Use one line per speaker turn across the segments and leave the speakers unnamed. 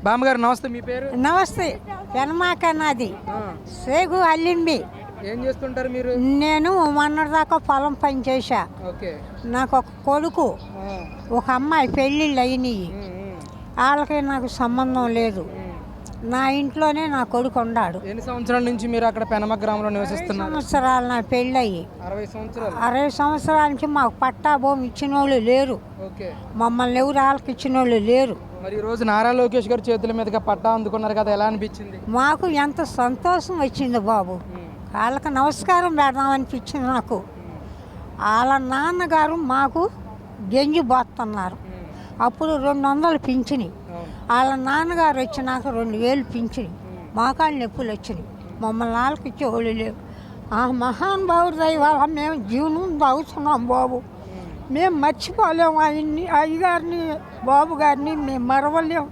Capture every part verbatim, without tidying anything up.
బామ్మగారు నమస్తే, మీ పేరు?
నమస్తే. పెనమాక నాది సేగు అల్లింబి.
ఏం చేస్తుంటారు మీరు?
నేను మొన్నటి దాకా పొలం పని చేశా.
ఓకే.
నాకు ఒక కొడుకు, ఒక అమ్మాయి పెళ్ళిళ్ళు అయినాయి. వాళ్ళకి నాకు సంబంధం లేదు. నా ఇంట్లోనే నా కొడుకు ఉన్నాడు.
ఎన్ని సంవత్సరాల నుంచి మీరు అక్కడ పెనమక గ్రామంలో నివసిస్తున్నారు?
సంవత్సరాలు నా పెళ్ళయి.
అరవై సంవత్సరాలు.
అరవై సంవత్సరాల నుంచి మాకు పట్టా భూమి ఇచ్చిన వాళ్ళు లేరు.
ఓకే.
మమ్మల్ని ఎవరు వాళ్ళకి ఇచ్చిన వాళ్ళు లేరు.
మరి ఈ రోజు నారా లోకేష్ గారు చేతుల మీదుగా పట్టా అందుకున్నారు కదా, ఎలా అనిపించింది?
మాకు ఎంత సంతోషం వచ్చింది బాబు. వాళ్ళకి నమస్కారం పెడదామనిపించింది నాకు. వాళ్ళ నాన్నగారు మాకు గెంజి పోతున్నారు. అప్పుడు రెండు వందలు పింఛని. వాళ్ళ నాన్నగారు వచ్చినాక రెండు వేలు పింఛని. మోకాళ్ళు నొప్పులు వచ్చినాయి. మమ్మల్ని వాళ్ళకి ఇచ్చేవాళ్ళు లేవు. ఆ మహానుభావుడు దయ వల్ల మేము జీవనం తాగుతున్నాం బాబు. మేము మర్చిపోలేము ఆయన్ని, అయ్యగారిని, బాబు గారిని మేము మరవలేము.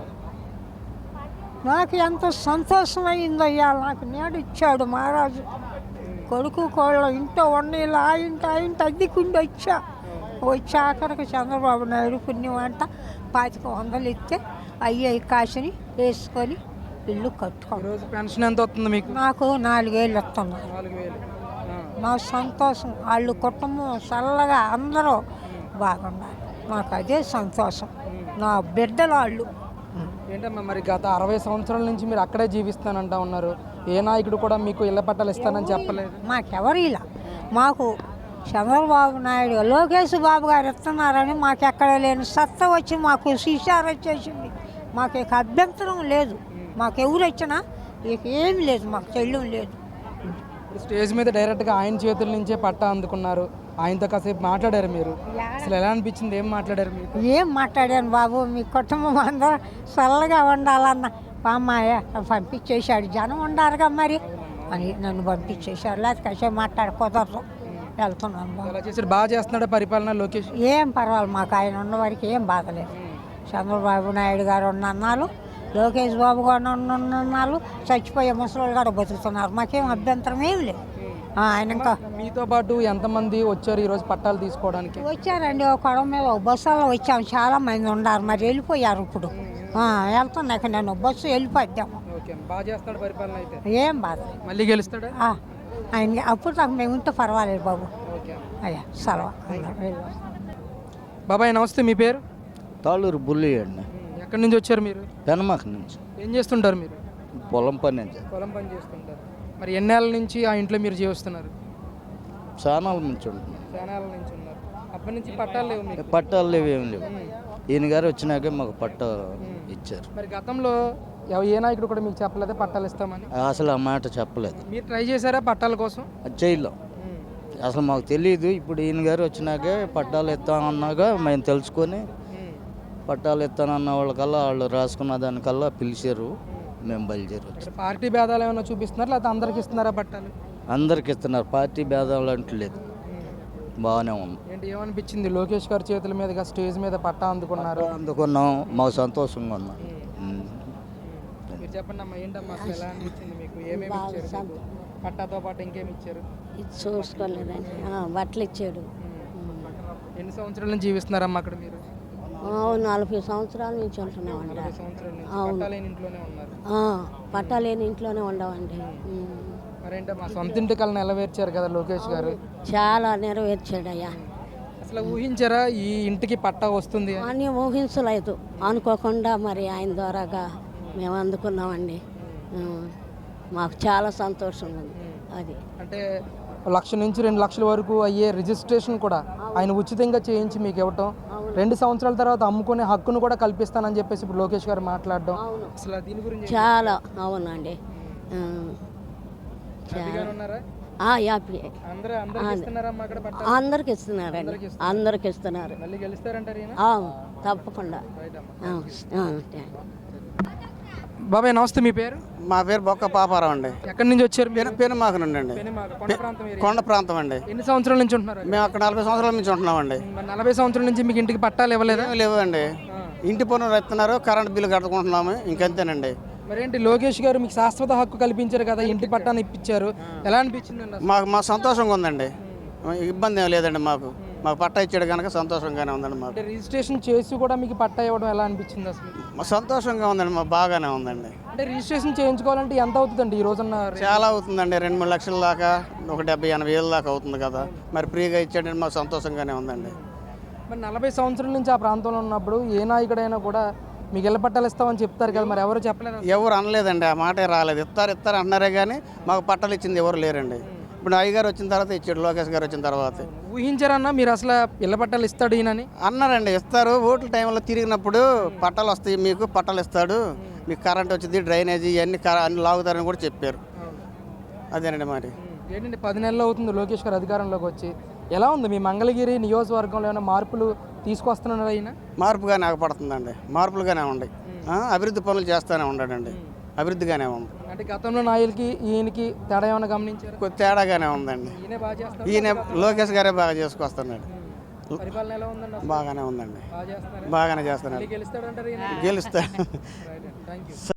నాకు ఎంత సంతోషమైందో ఇవాళ. నాకు నేడు ఇచ్చాడు మహారాజు. కొడుకు కోళ్ళ ఇంట్లో వండేళ్ళు ఆ ఇంట ఆ ఇంట అద్దెకుండి వచ్చా. వచ్చి ఆఖరికి చంద్రబాబు నాయుడు పుణ్యం అంట పాతిక వందలు ఇస్తే అయ్యాయి కాసుని వేసుకొని ఇల్లు కట్టుకోండి.
రోజు పెన్షన్ ఎంత వస్తుంది మీకు?
నాకు నాలుగేళ్ళు వస్తున్నారు. నా సంతోషం. వాళ్ళు కుటుంబం చల్లగా అందరూ బాగున్నారు. నాకు అదే సంతోషం. నా బిడ్డలు వాళ్ళు.
ఏంటమ్మా మరి గత అరవై సంవత్సరాల నుంచి మీరు అక్కడే జీవిస్తానంటా ఉన్నారు. ఏ నాయకుడు కూడా మీకు ఇళ్ల పట్టాలు ఇస్తానని చెప్పలేదు.
మాకెవరు ఇలా. మాకు చంద్రబాబు నాయుడు, లోకేష్ బాబు గారు ఇస్తున్నారని మాకు ఎక్కడ లేని సత్తా వచ్చి మాకు శిషారు వచ్చేసింది. మాకు ఇక అభ్యంతరం లేదు. మాకు ఎవరు వచ్చినా ఇక ఏం లేదు. మాకు చెల్లం లేదు.
స్టేజ్ మీద డైరెక్ట్గా ఆయన చేతుల నుంచే పట్టా అందుకున్నారు. ఆయనతో కాసేపు మాట్లాడారు మీరు. అసలు ఎలా అనిపించింది? ఏం మాట్లాడారు మీరు?
ఏం మాట్లాడాను బాబు, మీ కుటుంబం అందరూ చల్లగా ఉండాలన్న అమ్మాయ పంపించేశాడు. జనం ఉండారుగా మరి అని నన్ను పంపించేశారు. లేకపోతే కాసేపు మాట్లాడి కుదరదు. వెళ్తున్నాను బాబు.
ఎలా చేశారు? బాగా చేస్తున్నాడు పరిపాలన లోకేష్?
ఏం పర్వాలేదు. మాకు ఆయన ఉన్న వారికి ఏం బాధలేదు. చంద్రబాబు నాయుడు గారు ఉన్నన్నాళ్ళు, లోకేష్ బాబు గారు ఉన్నన్నాళ్ళు చచ్చిపోయే ముసలి గారు బతుకుతున్నారు. మాకేం అభ్యంతరం ఏం లేదు. ఆయన ఇంకా
మీతో పాటు ఎంతమంది వచ్చారు ఈరోజు పట్టాలు తీసుకోవడానికి?
వచ్చారండి. ఒక కొడవ మీద ఒక బస్సులో వచ్చాము. చాలా మంది ఉన్నారు. మరి వెళ్ళిపోయారు. ఇప్పుడు వెళ్తున్నాక నేను బస్సు వెళ్ళిపోద్దాము.
బాగా చేస్తాడు పరిపాలన అయితే?
ఏం బాధ.
మళ్ళీ గెలుస్తాడా
ఆయన? అప్పుడు నాకు మేము ఉంటే పర్వాలేదు బాబు. అయ్యా సెలవు.
బాబాయ్ నమస్తే, మీ పేరు?
తాళూరు బుల్లి అండి.
ఎక్కడి నుంచి వచ్చారు మీరు?
పెనమాక నుంచి.
ఏం చేస్తుంటారు మీరు?
పొలం పని నుంచి.
పొలం పని చేస్తుంటారు. మరి ఎన్నేళ్ళ నుంచి ఆ ఇంట్లో మీరు జీవిస్తున్నారు?
చానాల నుంచి ఉంటున్నాం.
చానాల నుంచి ఉన్నారు. అప్పటి నుంచి పట్టాలు లేవు మీకు?
పట్టాలు లేవు, ఏం లేవు. ఈయన గారు వచ్చినాకే మాకు పట్టా ఇచ్చారు.
మరి గతంలో ఏ నాయకుడు కూడా మీకు చెప్పలేదా పట్టాలు ఇస్తామని?
అసలు ఆ మాట చెప్పలేదు.
మీరు ట్రై చేశారా పట్టాల కోసం?
అది చేయలేం. అసలు మాకు తెలియదు. ఇప్పుడు ఈయన గారు వచ్చినాకే పట్టాలు ఇస్తామన్నాగా మేము తెలుసుకొని పట్టాలు ఇస్తానన్న వాళ్ళకల్లా వాళ్ళు రాసుకున్న దానికల్లా పిలిచారు. మేము బయలుదేరి.
పార్టీ భేదాలు ఏమైనా చూపిస్తున్నారు లేకపోతే అందరికి ఇస్తున్నారా పట్టాలు?
అందరికి ఇస్తున్నారు. పార్టీ భేదాలు అంటూ లేదు. బాగానే ఉంది.
ఏంటి ఏమనిపించింది? లోకేష్ గారి చేతుల మీదుగా స్టేజ్ మీద పట్టా అందుకున్నారు.
అందుకున్నాం. మాకు సంతోషంగా ఉన్నాం.
మీరు చెప్పండి అమ్మా, ఏంటమ్మా అసలు ఎలా అనిపించింది మీకు? ఏమేమి ఇచ్చారు? పట్టాతో పాటు ఇంకేమి ఇచ్చారు?
చూసుకోలేదండి. బట్టలు ఇచ్చాడు.
ఎన్ని సంవత్సరాల నుంచి జీవిస్తున్నారమ్మా అక్కడ మీరు?
నలభై సంవత్సరాల నుంచి ఉంటున్నామండి. పట్టాలేని ఇంట్లోనే ఉండవండి.
మరేంటమ్మా సొంత ఇంటి కళ నెరవేర్చారు కదా లోకేష్ గారు?
చాలా నెరవేర్చాడయ్యా.
అసలు ఊహించారా ఈ ఇంటికి పట్టా వస్తుంది
అని? ఊహించలేదు. అనుకోకుండా మరి ఆయన ద్వారాగా మేము అందుకున్నామండి. మాకు చాలా సంతోషంగా ఉంది. అది
అంటే లక్ష నుంచి రెండు లక్షల వరకు అయ్యే రిజిస్ట్రేషన్ కూడా ఆయన ఉచితంగా చేయించి మీకు ఇవ్వటం, రెండు సంవత్సరాల తర్వాత అమ్ముకునే హక్కును కూడా కల్పిస్తానని చెప్పేసి ఇప్పుడు లోకేష్ గారు మాట్లాడడం, అసలు దీని గురించి
చాలా అవునండి. అందరికి ఇస్తున్నారండి. అందరికి ఇస్తున్నారు. తప్పకుండా.
బాబాయ్ నమస్తే, మీ పేరు?
మా పేరు బొక్క పాపారావు అండి.
ఎక్కడి నుంచి వచ్చారు?
పెనుమాక నుండి అండి. కొండ ప్రాంతం అండి.
ఎన్ని సంవత్సరాల నుంచి ఉంటున్నారు?
మేము అక్కడ నలభై సంవత్సరాల నుంచి ఉంటున్నామండి.
నలభై సంవత్సరాల నుంచి మీకు ఇంటికి పట్టాలు ఇవ్వలేదా?
లేవు అండి. ఇంటి పన్నులు ఇస్తున్నారు, కరెంట్ బిల్లు కట్టుకుంటున్నాము, ఇంకంతేనండి.
మరేంటి లోకేష్ గారు మీకు శాశ్వత హక్కు కల్పించారు కదా, ఇంటి పట్టాన్ని ఇప్పించారు, ఎలా అనిపించింది?
మాకు మా సంతోషంగా ఉందండి. ఇబ్బంది ఏం లేదండి మాకు. మాకు పట్టా ఇచ్చాడు కనుక సంతోషంగానే ఉందండి మాకు.
అంటే రిజిస్ట్రేషన్ చేసి కూడా మీకు పట్టా ఇవ్వడం ఎలా అనిపించింది అసలు?
మా సంతోషంగా ఉందండి, మాకు బాగానే ఉందండి.
అంటే రిజిస్ట్రేషన్ చేయించుకోవాలంటే ఎంత అవుతుందండి ఈ రోజున్న రే-
చాలా అవుతుందండి, రెండు మూడు లక్షల దాకా, ఒక డెబ్బై ఎనభై వేల దాకా అవుతుంది కదా. మరి ఫ్రీగా ఇచ్చాడంటే మాకు సంతోషంగానే ఉందండి.
మరి నలభై సంవత్సరాల నుంచి ఆ ప్రాంతంలో ఉన్నప్పుడు ఏ నాయకుడైనా కూడా మీకు ఇళ్ళ పట్టాలు ఇస్తామని చెప్తారు కదా, మరి ఎవరు చెప్పలేదు అసలు?
ఎవరు అనలేదండి, ఆ మాటే రాలేదు. ఇస్తారు ఇస్తారు అంటున్నారే కానీ మాకు పట్టాలు ఇచ్చింది ఎవరు లేరండి. ఇప్పుడు అయ్యగారు వచ్చిన తర్వాత ఇచ్చాడు, లోకేష్ గారు వచ్చిన తర్వాత.
ఊహించారన్నా మీరు అసలు ఇళ్ళ పట్టాలు ఇస్తాడు ఈయనని?
అన్నారండి, ఇస్తారు. ఓట్ల టైంలో తిరిగినప్పుడు పట్టాలు వస్తాయి, మీకు పట్టాలు ఇస్తాడు, మీకు కరెంట్ వచ్చింది, డ్రైనేజీ ఇవన్నీ క- అన్ని లాగుతారని కూడా చెప్పారు. అదేనండి మరి.
ఏంటంటే పది నెలలు అవుతుంది లోకేష్ గారు అధికారంలోకి వచ్చి. ఎలా ఉంది మీ మంగళగిరి నియోజకవర్గంలో ఏమైనా మార్పులు తీసుకొస్తున్నారు అయినా?
మార్పుగానే ఆగపడుతుందండి, మార్పులుగానే ఉన్నాయి. ఆ, అభివృద్ధి పనులు చేస్తూనే ఉన్నాడండి, అభివృద్ధిగానే ఉంది.
అంటే గతంలో నాయకులకి ఈయనకి తేడా ఏమైనా గమనించారు?
కొద్ది తేడాగానే ఉందండి.
ఈయనే బాగా చేస్తారు,
ఈయన లోకేష్ గారే బాగా చేసుకొస్తున్నాడు.
పరిపాలన ఎలా ఉందండి అసలు?
బాగానే ఉందండి,
బాగా చేస్తున్నారు,
బాగానే చేస్తున్నాడు.
గెలుస్తాడంటారు ఈయన?
గెలుస్తా
థ్యాంక్ యూ.